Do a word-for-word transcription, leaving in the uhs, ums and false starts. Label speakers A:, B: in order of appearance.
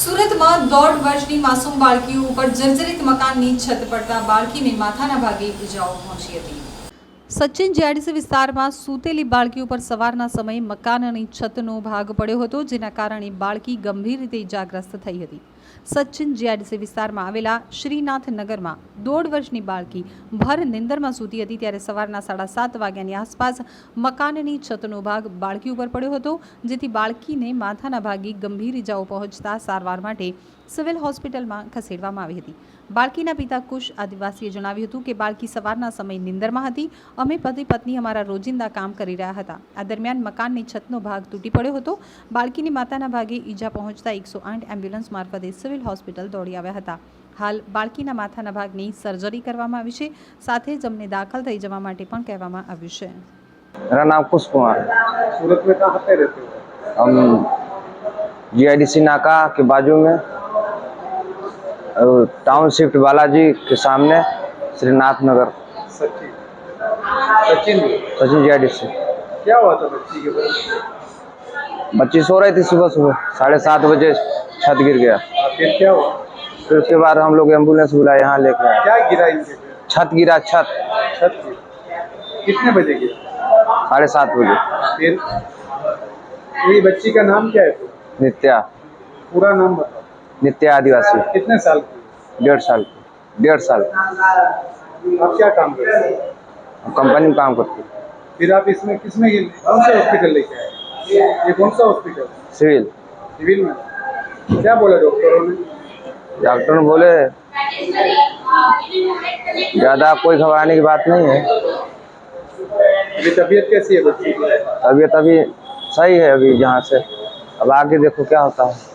A: સુરતમાં દોઢ વર્ષની માસૂમ બાળકીઓ ઉપર જર્જરિત મકાનની છત પડતા બાળકીને માથાના ભાગે ઈજાઓ પહોંચી હતી। સચિન જીઆઈડીસી વિસ્તારમાં સૂતેલી બાળકી ઉપર સવારના સમયે મકાનની છતનો ભાગ પડ્યો હતો, જેના કારણે બાળકી ગંભીર રીતે ઈજાગ્રસ્ત થઈ હતી। સચિન જીઆઈડીસી વિસ્તારમાં આવેલા શ્રીનાથ નગરમાં દોઢ વર્ષની બાળકી ભર નિંદરમાં સૂતી હતી, ત્યારે સવારના સાડા સાત વાગ્યાની આસપાસ મકાનની છતનો ભાગ બાળકી ઉપર પડ્યો હતો, જેથી બાળકીને માથાના ભાગે ગંભીર ઈજાઓ પહોંચતા સારવાર માટે સિવિલ હોસ્પિટલમાં ખસેડવામાં આવી હતી। બાળકીના પિતા કુશ આદિવાસીએ જણાવ્યું હતું કે બાળકી સવારના સમયે નિંદરમાં હતી। અમે પતિ પત્ની અમારા રોજિંદા કામ કરી રહ્યા હતા। આ દરમિયાન મકાનની છતનો ભાગ તૂટી પડ્યો હતો। બાળકીની માતાના ભાગે ઈજા પહોંચતા એકસો આઠ એમ્બ્યુલન્સ મારફતે સિવિલ હોસ્પિટલ દોડી આવ્યા હતા। હાલ બાળકીના માથાના ભાગની સર્જરી કરવામાં આવી છે, સાથે જ અમને દાખલ થઈ જવા માટે પણ કહેવામાં આવ્યું છે।
B: मेरा नाम कुश कुमार है।
C: सूरत में कहाँ पे रहते हो?
B: हम जीआईडीसी नाका के बाजू में टाउन शिफ्ट बालाजी के सामने श्रीनाथ नगर।
C: सचिन सचिन
B: सचिन जीआईडीसी।
C: क्या हुआ था बच्ची के बाद?
B: बच्ची सो रही थी, सुबह सुबह साढ़े सात बजे छत गिर गया।
C: फिर क्या हुआ?
B: फिर उसके बाद हम लोग एम्बुलेंस बुलाए, यहाँ लेके आए।
C: क्या गिरा इनके पे?
B: छत गिरा, छत
C: छत गिरा। कितने बजे गिरा?
B: साढ़े सात बजे।
C: फिर ये बच्ची का नाम क्या है? तो
B: नित्या।
C: पूरा नाम बताओ।
B: नित्या आदिवासी।
C: कितने साल की?
B: डेढ़ साल डेढ़ साल
C: आप क्या काम करते हैं?
B: हम कंपनी में काम करते हैं।
C: फिर आप इसमें किसमें कौन से हॉस्पिटल लेके आए? ये कौन सा हॉस्पिटल?
B: सिविल
C: सिविल में। क्या बोला डॉक्टरों ने?
B: डॉक्टर ने बोले ज़्यादा कोई घबराने की बात नहीं है।
C: अभी तबीयत कैसी है बच्ची की?
B: तबीयत अभी सही है अभी यहाँ से, अब आगे देखो क्या होता है।